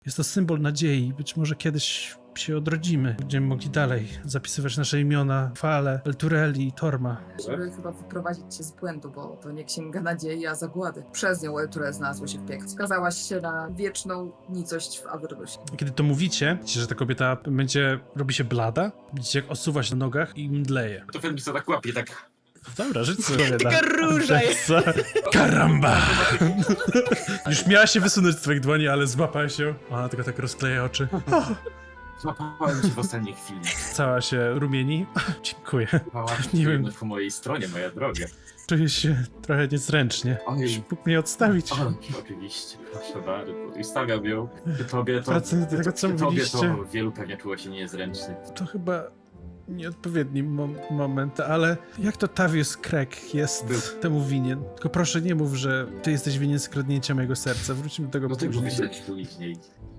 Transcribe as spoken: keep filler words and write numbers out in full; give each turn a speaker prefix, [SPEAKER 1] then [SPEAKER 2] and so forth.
[SPEAKER 1] Jest to symbol nadziei. Być może kiedyś się odrodzimy. Będziemy mogli dalej zapisywać nasze imiona, Fale, Eltureli i Torma.
[SPEAKER 2] Żeby chyba wyprowadzić cię z błędu, bo to nie księga nadziei, a zagłady. Przez nią Elturel znalazło się w piekle. Skazałaś się na wieczną nicość w Avernusie.
[SPEAKER 1] Kiedy to mówicie, widzicie, że ta kobieta będzie, robi się blada, widzicie jak osuwa się na nogach i mdleje.
[SPEAKER 3] To film co tak łapie, tak...
[SPEAKER 1] Dobra, żyć sobie.
[SPEAKER 4] Taka róża jest.
[SPEAKER 1] Karamba! Już miała się wysunąć z twoich dłoni, ale złapała się. Ona tylko tak rozkleja oczy.
[SPEAKER 3] Złapałem cię w ostatniej chwili.
[SPEAKER 1] Cała się rumieni. Dziękuję.
[SPEAKER 3] Pałac
[SPEAKER 1] Nie wiem.
[SPEAKER 3] po mojej stronie, moja droga.
[SPEAKER 1] Czuję się trochę niezręcznie.
[SPEAKER 3] Oj.
[SPEAKER 1] Mógł mnie odstawić.
[SPEAKER 3] O, oczywiście, proszę bardzo. I stawiam ją. Tobie to...
[SPEAKER 1] Wracając do tego, co
[SPEAKER 3] tobie
[SPEAKER 1] mówiliście.
[SPEAKER 3] to wielu pewnie czuło się niezręcznie.
[SPEAKER 1] To chyba nieodpowiedni mom moment, ale jak to Tavius Craig jest
[SPEAKER 3] Był.
[SPEAKER 1] temu winien? Tylko proszę nie mów, że ty jesteś winien skradnięcia mojego serca. Wróćmy do tego
[SPEAKER 3] Do tego
[SPEAKER 1] później.
[SPEAKER 3] wyśleć później.